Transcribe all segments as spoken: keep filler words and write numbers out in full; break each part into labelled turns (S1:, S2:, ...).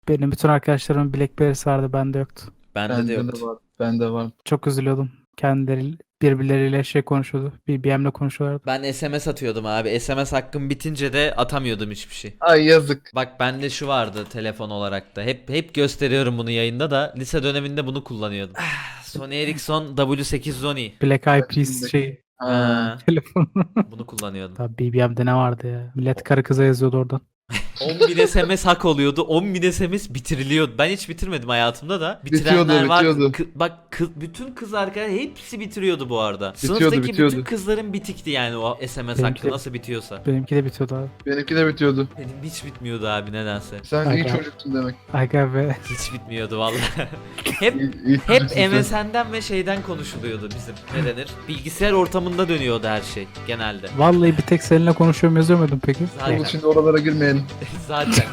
S1: Benim bütün arkadaşlarımın BlackBerry'si vardı, bende yoktu.
S2: Bende de
S3: Bende de
S2: yoktu.
S3: var. Bende var.
S1: Çok üzülüyordum. Kendileri birbirleriyle şey konuşuyordu. B B M'le konuşuyorlardı.
S2: Ben S M S atıyordum abi. S M S hakkım bitince de atamıyordum hiçbir şey.
S3: Ay yazık.
S2: Bak bende şu vardı telefon olarak da. Hep hep gösteriyorum bunu yayında da. Lise döneminde bunu kullanıyordum. Ah, Sony Ericsson W sekiz yüz on i.
S1: Black Eyed Peas
S3: Şimdi-
S1: şey
S3: Ha.
S2: Ha,
S1: telefonu.
S2: bunu kullanıyordum.
S1: Tabii B B M'de ne vardı ya? Millet karı kıza yazıyordu oradan.
S2: on bin S M S hak oluyordu. on bin S M S bitiriliyordu. Ben hiç bitirmedim hayatımda da. Bitirenler
S3: Bitiyordu,
S2: vardı.
S3: bitiyordu.
S2: Kı- bak kı- bütün kız arkadaşlar hepsi bitiriyordu bu arada.
S3: Bitiyordu,
S2: Sınıftaki
S3: bitiyordu.
S2: bütün kızların bitikti yani o S M S
S1: Benimki
S2: hakkı
S1: de-
S2: nasıl bitiyorsa.
S1: Benimki de bitiyordu abi.
S3: Benimki de bitiyordu.
S2: Benim hiç bitmiyordu abi nedense.
S3: Sen iyi
S1: Aga.
S3: çocuktun demek.
S1: Aga be.
S2: Hiç bitmiyordu vallahi. hep
S3: İyi, iyi
S2: hep
S3: çocuksun sen.
S2: M S N'den ve şeyden konuşuluyordu bizim. Ne denir? Bilgisayar ortamında dönüyordu her şey genelde.
S1: Vallahi bir tek seninle konuşuyorum yazıyor muydun peki?
S2: Zaten.
S3: Oğlum şimdi oralara girmeyelim.
S2: Zaten.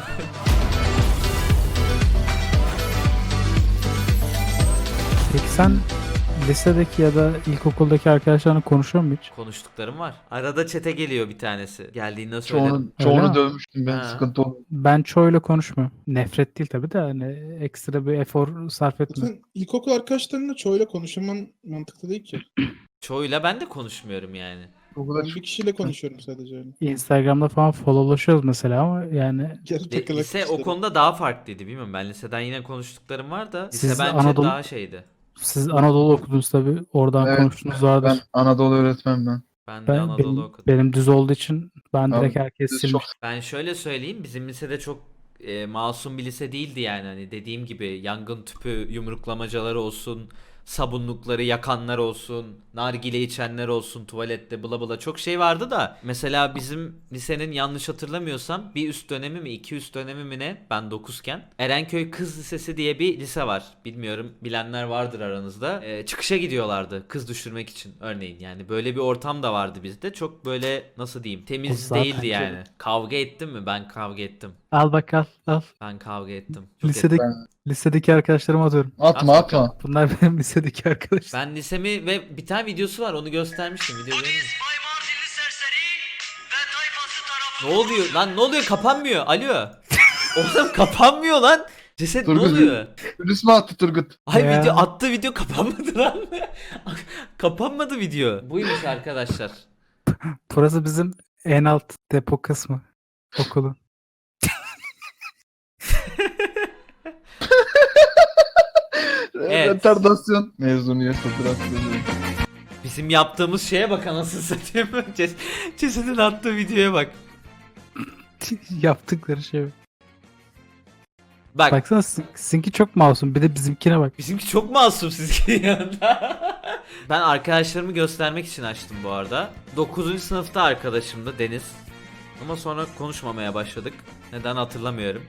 S1: Peki sen lisedeki ya da ilkokuldaki arkadaşlarla konuşuyor musun hiç?
S2: Konuştuklarım var. Arada çete geliyor bir tanesi. Geldiğinde söylerim.
S3: Çoğunu,
S1: Öyle
S3: çoğunu
S1: mi?
S3: dövmüştüm ben.
S2: Ha.
S3: Sıkıntı oldu.
S1: Ben çoğuyla konuşmuyorum. Nefret değil tabii de hani ekstra bir efor sarf etmiyorum.
S4: Zaten ilkokul arkadaşlarınla çoğuyla konuşman mantıklı değil ki.
S2: Çoğuyla ben de konuşmuyorum yani.
S3: O
S4: Ben
S3: kadar
S4: bir kişiyle konuşuyorum sadece öyle.
S1: Instagram'da falan followlaşıyoruz mesela ama yani
S4: Geri
S2: Li-
S4: takılan
S2: Lise o
S4: kişilerim.
S2: konuda daha farklıydı bilmiyorum. Ben liseden yine konuştuklarım var da. Lise
S1: Siz
S2: bence
S1: Anadolu-
S2: daha şeydi.
S1: siz Anadolu okudunuz tabii. Oradan
S3: Evet,
S1: konuştuğunuz vardır.
S3: ben Anadolu öğretmen ben.
S2: Ben de
S1: Ben,
S2: Anadolu
S1: benim,
S2: okudum.
S1: benim düz olduğu için ben direkt
S3: Abi,
S1: herkes
S3: Düz
S1: silmiş.
S3: çok
S2: Ben şöyle söyleyeyim, bizim lisede çok e, masum bir lise değildi yani. Hani dediğim gibi yangın tüpü yumruklamacaları olsun, sabunlukları yakanlar olsun, nargile içenler olsun, tuvalette bla bla çok şey vardı da. Mesela bizim lisenin yanlış hatırlamıyorsam bir üst dönemi mi iki üst dönemi mi ne, ben dokuzken Erenköy Kız Lisesi diye bir lise var. Bilmiyorum, bilenler vardır aranızda. E, çıkışa gidiyorlardı kız düşürmek için örneğin. Yani böyle bir ortam da vardı bizde. Çok böyle nasıl diyeyim,
S1: O
S2: temiz
S1: zaten
S2: değildi
S1: çok-
S2: yani. Kavga ettim mi? Ben kavga ettim.
S1: Al bak al al.
S2: Ben kavga ettim. Çok
S1: Lisedeki,
S2: ettim.
S3: ben.
S1: lisedeki arkadaşlarıma atıyorum.
S3: Atma
S2: At
S3: atma.
S1: Bunlar benim lisedeki arkadaşlar.
S2: Ben lisemi ve bir tane videosu var, onu göstermiştim. Video görüyor musun? Ne oluyor lan, ne oluyor, kapanmıyor. Alo. Oğlum kapanmıyor lan. Ceset ne
S3: Turgut.
S2: oluyor?
S3: Virüs mü attı Turgut?
S2: Ay
S1: Ya.
S2: video attı, video kapanmadı lan. Kapanmadı video. Buymuş arkadaşlar.
S1: Burası bizim en alt depo kısmı okulun.
S2: Evet.
S3: Retardasyon. Mezuniyet fotoğrafları.
S2: Bizim yaptığımız şeye bak anasını satayım. Ces Cesedin attığı videoya bak.
S1: Yaptıkları şey.
S2: Bak.
S1: Baksana sin- sizinki çok masum. Bir de bizimkine bak.
S2: Bizimki çok masum sizin yanında. Ben arkadaşlarımı göstermek için açtım bu arada. dokuzuncu sınıfta arkadaşımdı Deniz. Ama sonra konuşmamaya başladık. Neden hatırlamıyorum.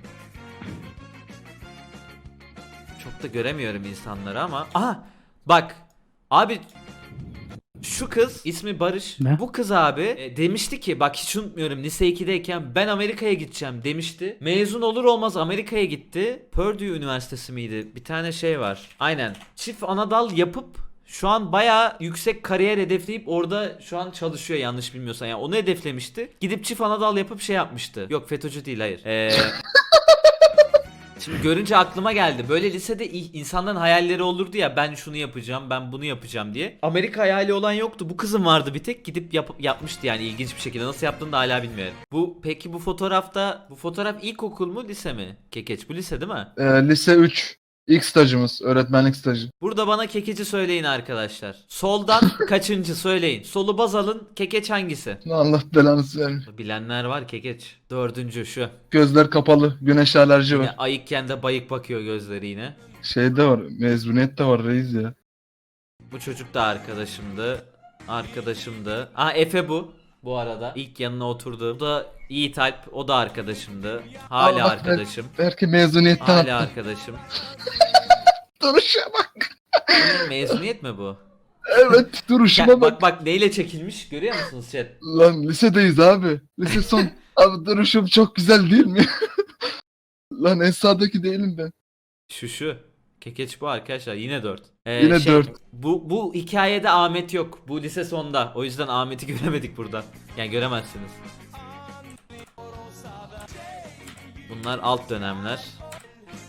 S2: Çok da göremiyorum insanları ama. Aha! Bak! Abi şu kız ismi Barış.
S1: Ne?
S2: Bu kız abi e, demişti ki, bak hiç unutmuyorum, lise ikideyken ben Amerika'ya gideceğim demişti. Mezun olur olmaz Amerika'ya gitti. Purdue Üniversitesi miydi? Bir tane şey var. Aynen. Çift anadal yapıp şu an bayağı yüksek kariyer hedefleyip orada şu an çalışıyor yanlış bilmiyorsan. Yani onu hedeflemişti. Gidip çift anadal yapıp şey yapmıştı. Yok FETÖ'cü değil, hayır. Eee... Şimdi görünce aklıma geldi. Böyle lisede i- insanların hayalleri olurdu ya, ben şunu yapacağım, ben bunu yapacağım diye. Amerika hayali olan yoktu. Bu kızın vardı bir tek, gidip yap- yapmıştı yani ilginç bir şekilde. Nasıl yaptığını da hala bilmiyorum. Bu peki bu fotoğrafta, bu fotoğraf ilkokul mu lise mi? Kekeç bu lise değil mi?
S3: Ee, lise üç. İlk stajımız. Öğretmenlik stajı.
S2: Burada bana kekeci söyleyin arkadaşlar. Soldan kaçıncı söyleyin. Solu baz alın. Kekeç hangisi?
S3: Allah belanı vermiş.
S2: Bilenler var, kekeç. Dördüncü şu.
S3: Gözler kapalı. Güneş alerji
S2: Yine
S3: var.
S2: ayıkken de bayık bakıyor gözleri yine.
S3: Şeyde var. Mezuniyet de var reis ya.
S2: Bu çocuk da arkadaşımdı. Arkadaşımdı. Aa Efe bu. Bu arada ilk yanına oturdu. Bu da Yiğit Alp. O da arkadaşımdı. Hala
S3: Allah
S2: arkadaşım.
S3: Belki mezuniyetten
S2: Hala
S3: attı.
S2: arkadaşım.
S3: Duruşa bak.
S2: Bunun mezuniyet mi bu?
S3: Evet duruşuma
S2: Gel,
S3: bak.
S2: bak bak neyle çekilmiş görüyor musunuz chat?
S3: Lan lisedeyiz abi. Lise son. Abi duruşum çok güzel değil mi? Lan en sağdaki değilim ben.
S2: Şu şu. Kekeç bu arkadaşlar, yine dört.
S3: Yine dört.
S2: Bu, bu hikayede Ahmet yok. Bu lise sonda. O yüzden Ahmet'i göremedik burada. Yani göremezsiniz. Bunlar alt dönemler.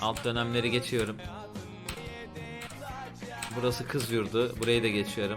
S2: Alt dönemleri geçiyorum. Burası kız yurdu. Burayı da geçiyorum.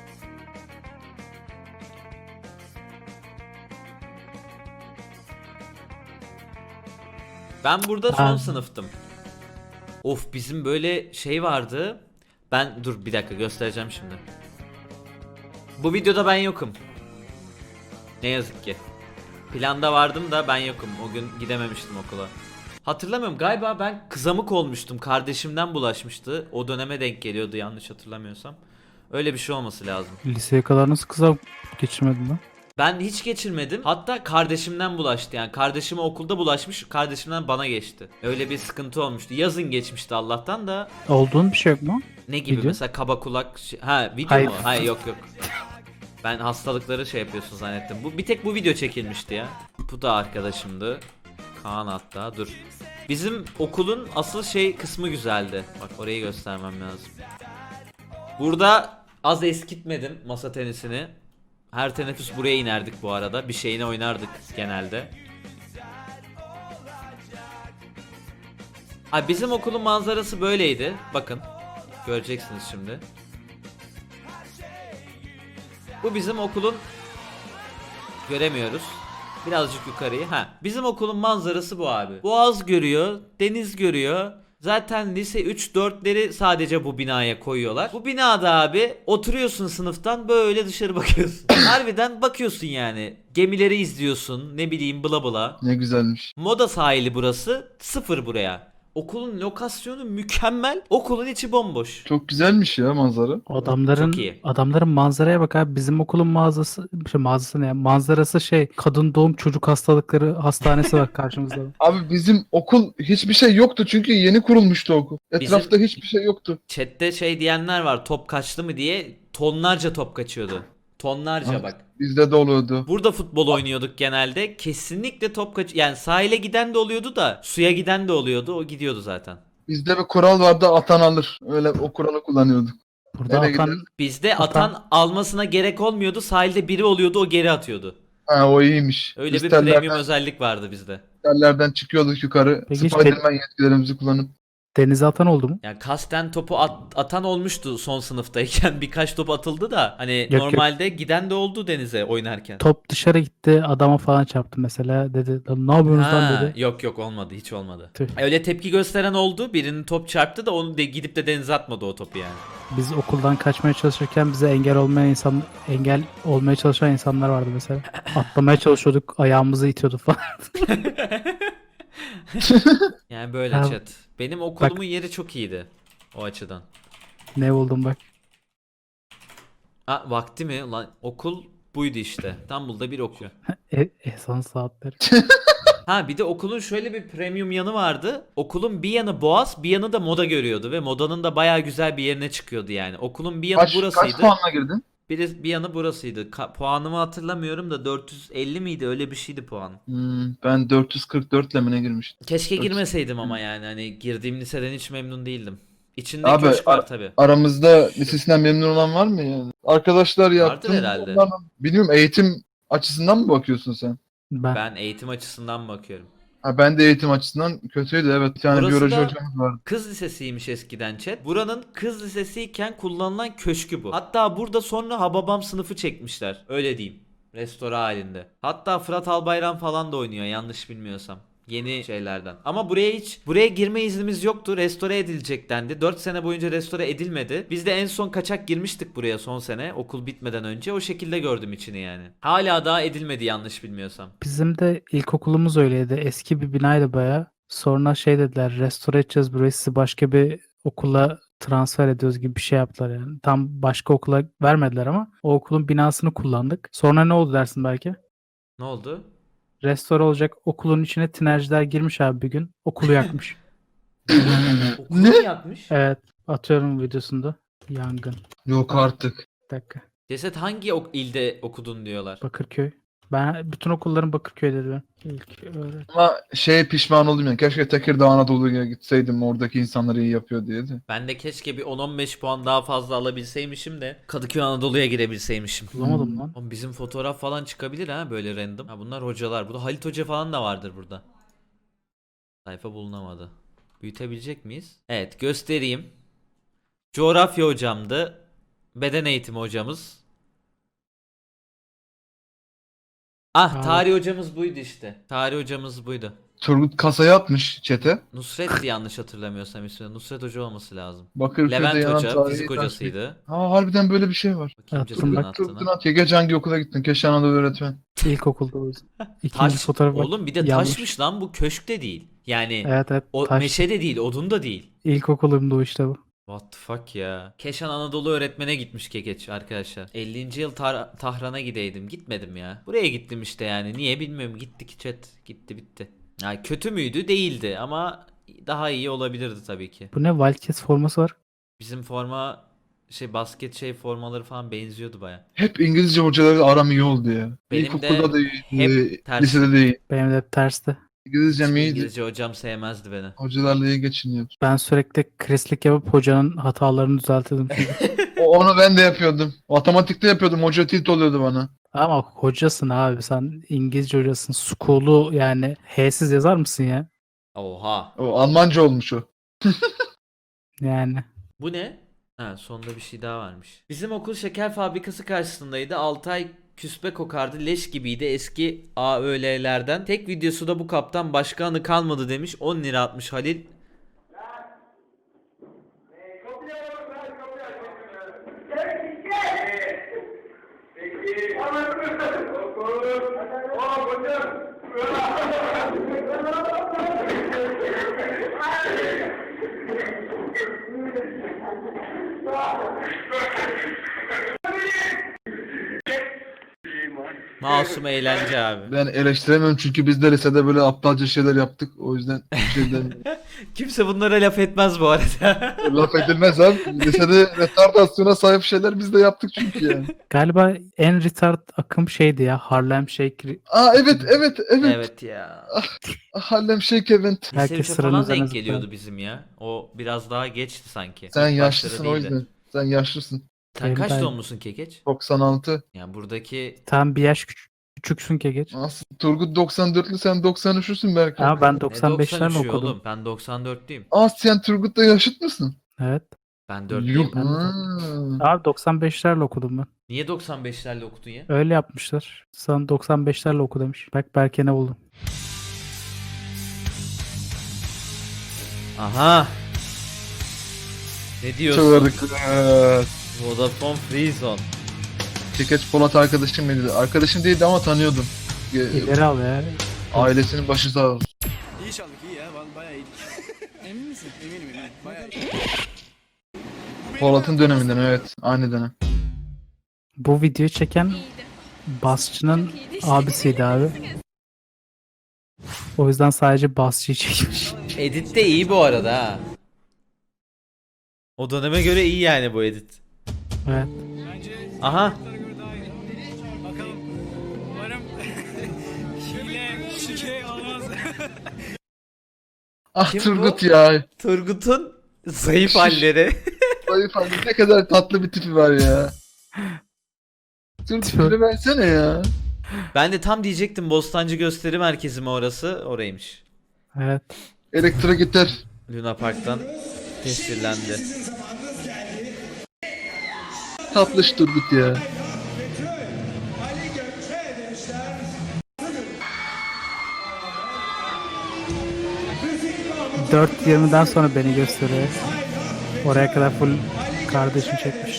S2: Ben burada son
S1: Ben-
S2: sınıftım. Of, bizim böyle şey vardı. Ben dur bir dakika göstereceğim şimdi. Bu videoda ben yokum. Ne yazık ki. Planda vardım da ben yokum. O gün gidememiştim okula. Hatırlamıyorum, galiba ben kızamık olmuştum. Kardeşimden bulaşmıştı. O döneme denk geliyordu yanlış hatırlamıyorsam. Öyle bir şey olması lazım.
S1: Liseye kadar nasıl kıza geçirmedin lan?
S2: Ben hiç geçirmedim. Hatta kardeşimden bulaştı yani. Kardeşime okulda bulaşmış. Kardeşimden bana geçti. Öyle bir sıkıntı olmuştu. Yazın geçmişti Allah'tan da.
S1: Olduğun bir şey yok mu?
S2: Ne gibi
S1: Video?
S2: mesela kaba kulak şey- ha video
S1: Hayır.
S2: mu? Hayır, yok yok. Ben hastalıkları şey yapıyorsun zannettim. Bu bir tek bu video çekilmişti ya. Bu da arkadaşımdı. Kaan hatta dur. Bizim okulun asıl şey kısmı güzeldi. Bak orayı göstermem lazım. Burada az eskitmedim masa tenisini. Her teneffüs buraya inerdik bu arada. Bir şeyine oynardık genelde. Ay, bizim okulun manzarası böyleydi. Bakın. Göreceksiniz şimdi. Bu bizim okulun, göremiyoruz. Birazcık yukarıyı. Ha, bizim okulun manzarası bu abi. Boğaz görüyor, deniz görüyor. Zaten lise üç dörtleri sadece bu binaya koyuyorlar. Bu binada abi oturuyorsun sınıftan böyle dışarı bakıyorsun. Harbiden bakıyorsun yani. Gemileri izliyorsun, ne bileyim bla bla.
S3: Ne güzelmiş.
S2: Moda sahili burası. Sıfır buraya. Okulun lokasyonu mükemmel. Okulun içi bomboş.
S3: Çok güzelmiş ya manzara.
S1: Adamların
S2: Çok iyi.
S1: adamların manzaraya bak abi. Bizim okulun mağazası, şey mağazası ne ya? Manzarası şey, kadın doğum çocuk hastalıkları hastanesi var karşımızda.
S3: Abi bizim okul hiçbir şey yoktu çünkü yeni kurulmuştu okul. Etrafta hiçbir şey yoktu.
S2: Chat'te şey diyenler var, top kaçtı mı diye. Tonlarca top kaçıyordu. Tonlarca
S3: Evet.
S2: bak.
S3: Bizde de oluyordu.
S2: Burada futbol oynuyorduk genelde. Kesinlikle top kaç... Yani sahile giden de oluyordu da suya giden de oluyordu. O gidiyordu zaten.
S3: Bizde bir kural vardı, atan alır. Öyle o kuralı kullanıyorduk.
S1: Burada
S3: Nereye
S1: atan
S3: gidelim?
S2: Bizde
S1: Atan-
S2: atan almasına gerek olmuyordu. Sahilde biri oluyordu, o geri atıyordu.
S3: Ha, o iyiymiş.
S2: Öyle
S3: Biz
S2: bir
S3: tellerden,
S2: premium özellik vardı bizde.
S3: tellerden çıkıyorduk yukarı.
S1: Peki hiç
S3: Spiderman yetkilerimizi kullanıp.
S1: denize atan oldu mu?
S2: Yani kasten topu at- atan olmuştu son sınıftayken. Birkaç top atıldı da hani
S1: yok.
S2: normalde giden de oldu denize oynarken.
S1: Top dışarı gitti, adama falan çarptı mesela. Dedi "Lan ne yapıyorsunuz lan"
S2: Ha,
S1: dedi.
S2: yok yok, olmadı, hiç olmadı.
S1: Tüh.
S2: Öyle tepki gösteren oldu. Birinin top çarptı da onu de gidip de denize atmadı o topu yani.
S1: Biz okuldan kaçmaya çalışırken bize engel olmayan insan, engel olmaya çalışan insanlar vardı mesela. Atlamaya çalışıyorduk, ayağımızı itiyordu falan.
S2: Yani böyle
S1: Ya,
S2: chat. Benim okulumun yeri çok iyiydi o açıdan.
S1: Ne buldum bak.
S2: Ha, vakti mi? Lan okul buydu işte. İstanbul'da bir okul.
S1: E, ehsan saatleri.
S2: Ha, bir de okulun şöyle bir premium yanı vardı. Okulun bir yanı Boğaz, bir yanı da Moda görüyordu ve Moda'nın da bayağı güzel bir yerine çıkıyordu yani. Okulun bir yanı
S3: Kaç, kaç
S2: burasıydı.
S3: puanla girdin?
S2: Bir, bir yanı burasıydı. Ka- puanımı hatırlamıyorum da dört yüz elli miydi? Öyle bir şeydi puan.
S3: Hmm, ben dört yüz kırk dört ile mi ne girmiştim?
S2: Keşke
S3: dört yüz
S2: girmeseydim ama yani hani girdiğim liseden hiç memnun değildim. İçinde
S3: Abi,
S2: köşk var
S3: ar-
S2: tabi.
S3: Aramızda lisesinden memnun olan var mı yani? Arkadaşlar yaptım.
S2: herhalde.
S3: onlarla- Bilmiyorum, eğitim açısından mı bakıyorsun sen?
S1: Ben,
S2: Ben eğitim açısından bakıyorum.
S3: Ha, ben de eğitim açısından kötüydü, evet. Bir tane
S2: Burası
S3: biyoloji
S2: da-
S3: hocamız vardı.
S2: Kız lisesiymiş eskiden chat. Buranın kız lisesiyken kullanılan köşkü bu. Hatta burada sonra Hababam sınıfı çekmişler. Öyle diyeyim. Restore halinde. Hatta Fırat Albayrak falan da oynuyor yanlış bilmiyorsam. Yeni şeylerden. Ama buraya hiç buraya girme iznimiz yoktu. Restore edilecek dendi. dört sene boyunca restore edilmedi. Biz de en son kaçak girmiştik buraya son sene. Okul bitmeden önce. O şekilde gördüm içini yani. Hala daha edilmedi yanlış bilmiyorsam.
S1: bizim de ilkokulumuz öyleydi. Eski bir binaydı baya. Sonra şey dediler, restore edeceğiz burayı, sizi başka bir okula transfer ediyoruz gibi bir şey yaptılar yani. Tam başka okula vermediler ama o okulun binasını kullandık. Sonra ne oldu dersin belki?
S2: Ne oldu?
S1: Restore olacak okulun içine tinerciler girmiş abi bir gün. Okulu yakmış.
S2: Okulu mu yakmış?
S1: Evet, atıyorum videosunda. Yangın.
S3: Yok artık.
S1: Bir dakika.
S2: Ceset hangi ok- ilde okudun diyorlar.
S1: Bakırköy. Ben bütün okulların Bakırköy'de diyorum. İlk öğret-
S3: Ama şey, pişman oldum yani. Keşke Tekirdağ Anadolu'ya gitseydim, oradaki insanlar iyi yapıyor diye de.
S2: Ben de keşke bir on on beş puan daha fazla alabilseymişim de Kadıköy Anadolu'ya girebilseymişim.
S1: Bulamadım
S3: Hmm.
S1: lan.
S2: Oğlum bizim fotoğraf falan çıkabilir ha böyle random. Ha, bunlar hocalar. Burada Halit Hoca falan da vardır burada. Sayfa bulunamadı. Büyütebilecek miyiz? Evet, göstereyim. Coğrafya hocamdı. Beden eğitimi hocamız. Ah,
S1: Aa.
S2: tarih hocamız buydu işte. Tarih hocamız buydu.
S3: Turgut kasayı atmış çete.
S2: Nusret'ti yanlış hatırlamıyorsam ismi. Nusret Hoca olması lazım.
S3: Bakırköy'de
S2: Levent
S3: yanan
S2: Hoca
S3: tarihi
S2: fizik
S3: taş-
S2: hocasıydı.
S3: Ha harbiden böyle bir şey var.
S2: Bakayım
S1: Attım
S2: cezaevine
S1: bak.
S3: Turgut'un
S2: attığına.
S3: at. Gece hangi okula gittin? Keşke Anadolu öğretmen.
S1: İlkokulda o yüzden. İkinci
S2: Taş.
S1: fotoğraf bak,
S2: Oğlum bir de
S1: yanlış.
S2: taşmış lan, bu köşk de değil. Yani
S1: Evet evet
S2: o
S1: taş.
S2: meşe de değil, odun da değil.
S1: İlkokulumda o işte bu.
S2: What the fuck ya. Keşan Anadolu öğretmene gitmiş Kekeç arkadaşlar. ellinci yıl Tar- Tahran'a gideydim. Gitmedim ya. Buraya gittim işte yani. Niye bilmiyorum. Gittik chat. Gitti bitti. Yani kötü müydü? Değildi ama daha iyi olabilirdi tabii ki.
S1: Bu ne Wildcats forması var.
S2: Bizim forma şey basket şey formaları falan benziyordu baya.
S3: Hep İngilizce hocalarla aram iyi oldu ya.
S2: Benim
S3: İlkokulda
S2: de
S3: da iyi,
S2: hep
S3: e,
S2: ters.
S3: lisede de iyi.
S1: Benim de tersti.
S3: İngilizcem iyiydi.
S2: İngilizce hocam sevmezdi beni.
S3: Hocalarla iyi geçiniyor.
S1: Ben sürekli krislik yapıp hocanın hatalarını düzeltiyordum çünkü.
S3: O, onu ben de yapıyordum. Matematikte yapıyordum. Hoca tilt oluyordu bana.
S1: Ama hocasın abi, sen İngilizce hocasın. School'u yani H'siz yazar mısın ya?
S2: Oha.
S3: O Almanca olmuş o.
S1: Yani.
S2: Bu ne? Ha, sonunda bir şey daha varmış. Bizim okul şeker fabrikası karşısındaydı. altı ay küspe kokardı. Leş gibiydi eski A Ö L'lerden. Tek videosu da bu kaptan. Başka anı kalmadı demiş. on lira atmış Halil. Masum eğlence abi.
S3: Ben eleştiremiyorum çünkü biz de lisede böyle aptalca şeyler yaptık. O yüzden bir şeyden
S2: Kimse bunlara laf etmez bu arada.
S3: laf edilmez abi. Lisede retardasyona sahip şeyler biz de yaptık çünkü yani.
S1: Galiba en retard akım şeydi ya. Harlem Shake.
S3: Aa evet evet evet.
S2: Evet ya.
S3: Harlem Shake Event.
S2: Lise
S1: Herkes
S2: üçe
S1: sıranın
S2: falan
S1: üzerine
S2: denk
S1: zıpladı.
S2: geliyordu bizim ya. O biraz daha geçti sanki.
S3: Sen
S2: İlk
S3: yaşlısın
S2: başları
S3: o
S2: değildi.
S3: yüzden. Sen yaşlısın.
S2: Sen
S1: Benim
S2: kaç
S1: de-
S2: doğumlusun Kekeç?
S3: doksan altı.
S2: Yani buradaki
S1: Tam bir yaş küçük, küçüksün ki geç.
S3: Nasıl? Turgut doksan dörtlü sen doksan üçlüsün belki.
S1: Ama ben
S2: ne
S1: doksan beşlerle
S2: doksan üçü
S1: okudum.
S2: oğlum? Ben doksan dörtlüyüm.
S3: Aa sen Turgut'la yaşıt mısın?
S1: Evet.
S2: Ben dörtlüyüm.
S3: Yuh.
S1: Ben de
S3: Ha.
S1: Abi doksan beşlerle okudum ben.
S2: Niye doksan beşlerle okudun ya?
S1: Öyle yapmışlar. Sana doksan beşlerle oku demiş. Bak Berke ne buldum.
S2: Aha. Ne diyorsun?
S3: Çığırdık. Evet.
S2: Vodafone Freezone.
S3: Çekeç Polat arkadaşım mıydı? Arkadaşım değildi ama tanıyordum. Ee,
S1: İleri al ya.
S3: Ailesinin başı sağ olsun.
S5: İyi çaldık iyi ya vallahi bayağı iyiydik. Emin misin? Eminim eminim. Bayağı iyi.
S3: Polat'ın döneminden evet. Aynı dönem.
S1: Bu videoyu çeken basçının abisiydi abi. O yüzden sadece basçıyı çekmiş.
S2: Edit de iyi bu arada ha. O döneme göre iyi yani bu edit.
S1: Evet.
S2: Aha.
S5: Bakalım. Umarım hile, şike olmaz.
S3: Ah
S2: Kim
S3: Turgut
S2: bu?
S3: ya.
S2: Turgut'un zayıf halleri.
S3: Zayıf abi ne kadar tatlı bir tipi var ya. Turgut tipi versene ya.
S2: Ben de tam diyecektim, Bostancı Gösteri Merkezi mi orası? Oraymış.
S1: Evet.
S3: Elektro gitar.
S2: Luna Park'tan tescillendi.
S3: Tatlış Turgut ya.
S1: dört yirmiden sonra beni gösteriyor. Oraya kadar full kardeşim çekmiş.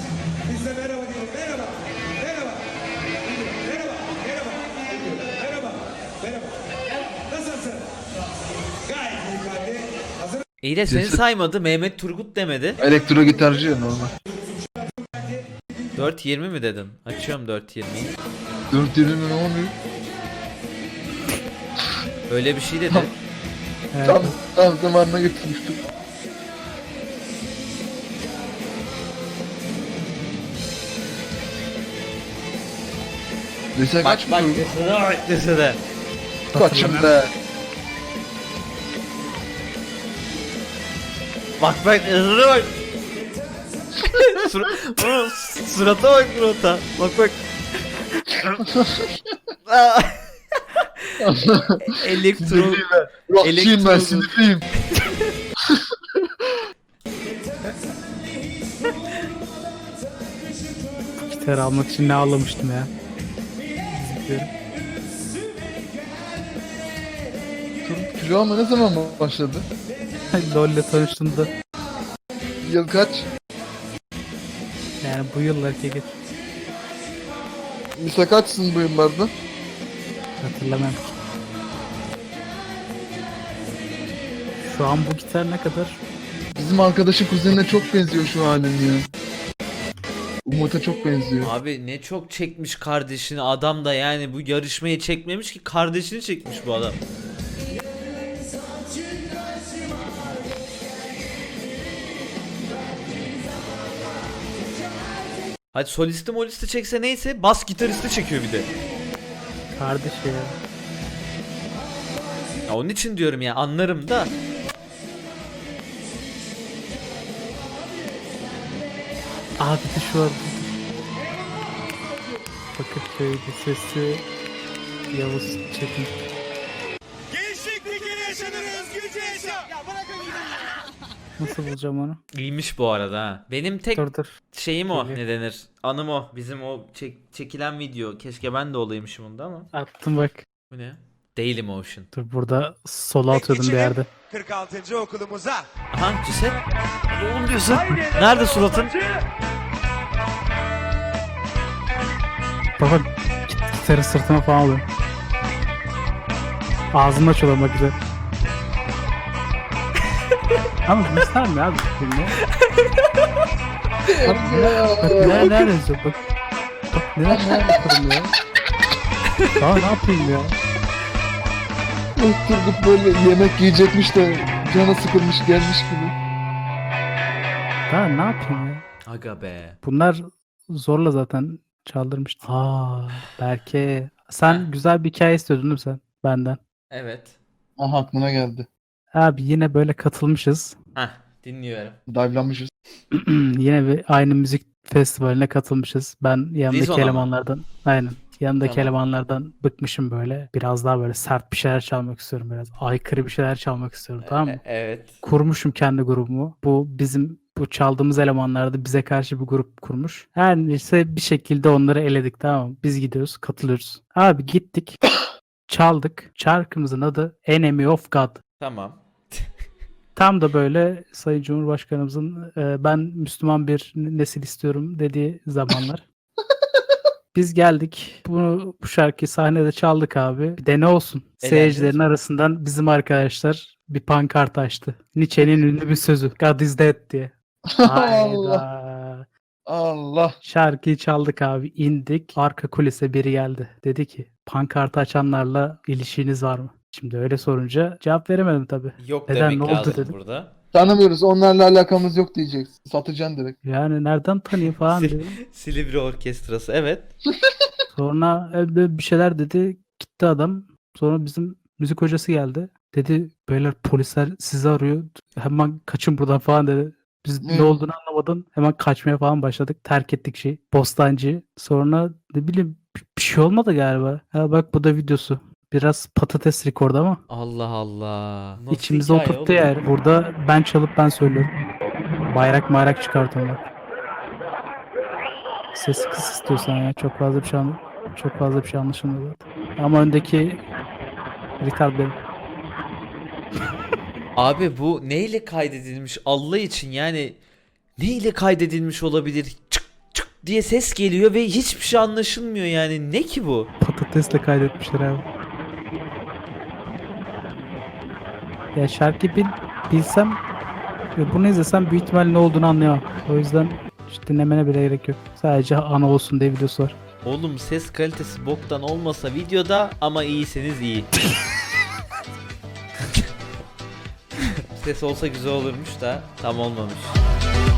S2: İyi de seni
S3: Ceset-
S2: saymadı. Mehmet Turgut demedi.
S3: Elektro gitarcı ya normal.
S2: dört yirmi mi dedin? Açıyorum dört yirmiyi.
S3: dört yirmi ne oluyor?
S2: Öyle bir şey dedi.
S1: Evet.
S3: Tam, tam zamanına getirmiştim. Lise
S2: Bak
S3: kaç
S2: bak
S3: mı?
S2: desene bak desene.
S3: Kaçım be.
S2: Bak bak desene bak. Sur Oğlum, surata bak surata. Bak bak. Aa. Elektro
S3: Sinirliyim ben. Rockçıyım ben
S2: Elektro-
S3: sinirliyim.
S1: Gitar almak için ne ağlamıştım ya. Zıplıyorum.
S3: Tur- Kilo alma ne zaman başladı?
S1: LoL'le tanıştığımda
S3: Yıl kaç?
S1: yani bu yıllar ki geç
S3: Lise kaçsın bu yıllarda?
S1: hatırlamam. Şu an bu gitar ne kadar?
S3: Bizim arkadaşın kuzenine çok benziyor şu halin ya. Umut'a çok benziyor.
S2: Abi ne çok çekmiş kardeşini adam da, yani bu yarışmayı çekmemiş ki kardeşini çekmiş bu adam. Hadi solisti molisti çekse neyse, bas gitaristi çekiyor bir de.
S1: Kardeş ya.
S2: Ya onun için diyorum ya, anlarım da.
S1: Abi de şu an Bakırköy Lisesi Yavuz Çetin.
S5: Gençlik bir kere yaşanır, özgürce yaşa. Ya bırakın gidin.
S1: Nasıl bulacağım onu?
S2: İyiymiş bu arada ha. Benim tek
S1: Dur dur.
S2: şeyim o,
S1: Geliyor.
S2: ne denir? Anım o. Bizim o çek- çekilen video. Keşke ben de olaymışım onda ama.
S1: Attım bak.
S2: Bu ne? Dailymotion.
S1: Dur burada solo atıyordum bir yerde.
S5: kırk altıncı okulumuza.
S2: Aha ceset. Oğlum diyorsun. Nerede suratın?
S1: Baba git, gitarı sırtıma falan alıyorum. Ağzımı açıyorum bak güzel. Ama göstermiyor abi. Bilmiyorum. Bak ne, ne, ne yazıyor bak. Bak neler neler yapıyorum ya. Daha ne yapayım ya.
S3: Turgut böyle yemek yiyecekmiş de canı sıkılmış gelmiş gibi.
S1: Daha ne yapayım ya.
S2: Aga be.
S1: Bunlar zorla zaten çaldırmıştı. Aa Berke. Sen
S2: Heh.
S1: güzel bir hikaye istiyordun değil mi sen benden?
S2: Evet.
S3: Aha aklına geldi.
S1: Abi yine böyle katılmışız.
S2: Heh, dinliyorum.
S3: Dive'lanmışız.
S1: Yine bir aynı müzik festivaline katılmışız. Ben yanındaki
S2: Dizona mı?
S1: elemanlardan aynen. Yanındaki
S2: Tamam.
S1: elemanlardan bıkmışım böyle. Biraz daha böyle sert bir şeyler çalmak istiyorum biraz. Aykırı bir şeyler çalmak istiyorum tamam mı?
S2: E- evet.
S1: Kurmuşum kendi grubumu. Bu bizim bu çaldığımız elemanlar da bize karşı bir grup kurmuş. Her neyse bir şekilde onları eledik tamam mı? Biz gidiyoruz, katılıyoruz. Abi gittik. Çaldık. Şarkımızın adı Enemy of God.
S2: Tamam.
S1: Tam da böyle Sayın Cumhurbaşkanımızın e, ben Müslüman bir nesil istiyorum dediği zamanlar. Biz geldik. Bunu bu şarkıyı sahnede çaldık abi. Bir de ne olsun?
S2: Eğlendiniz
S1: Seyircilerin
S2: mi?
S1: arasından bizim arkadaşlar bir pankart açtı. Nietzsche'nin ünlü bir sözü. God is dead diye.
S3: Allah.
S1: Hayda.
S3: Allah.
S1: Şarkıyı çaldık abi. İndik. Arka kulise biri geldi. Dedi ki pankartı açanlarla ilişkiniz var mı? Şimdi öyle sorunca cevap veremedim tabii.
S2: Yok
S1: Neden,
S2: demek
S1: ne oldu
S2: lazım
S1: dedim.
S2: burada.
S3: Tanımıyoruz. Onlarla alakamız yok diyeceksin. Satacaksın direkt.
S1: Yani nereden tanıyayım falan
S2: Sil-
S1: dedim.
S2: Silivri Orkestrası, evet.
S1: Sonra evde bir şeyler dedi. Gitti adam. Sonra bizim müzik hocası geldi. Dedi beyler polisler sizi arıyor. Hemen kaçın buradan falan dedi. Biz
S3: Ne?
S1: ne olduğunu anlamadan hemen kaçmaya falan başladık. Terk ettik şey. Bostancı. Sonra ne bileyim bir bir şey olmadı galiba. Ha bak bu da videosu. Biraz patates rekordu ama
S2: Allah Allah. Nasıl
S1: içimize
S2: hikaye
S1: oturttu
S2: oğlum?
S1: yani. Burada ben çalıp ben söylüyorum. Bayrak mayrak çıkartıyorum. Ses kıs istiyorsan ya. Çok fazla bir şey anla- çok fazla bir şey anlaşılmıyor zaten. Ama öndeki retard benim.
S2: Abi bu neyle kaydedilmiş Allah için, yani neyle kaydedilmiş olabilir? Çık çık diye ses geliyor ve hiçbir şey anlaşılmıyor, yani ne ki bu?
S1: Patatesle kaydetmişler abi. Ya şarkı bil, bilsem ve bunu izlesem büyük ihtimal ne olduğunu anlayamam. O yüzden hiç dinlemene bile gerek yok. Sadece ana olsun diye videosu var.
S2: Oğlum ses kalitesi boktan olmasa videoda, ama iyiseniz iyi. Ses olsa güzel olurmuş da tam olmamış.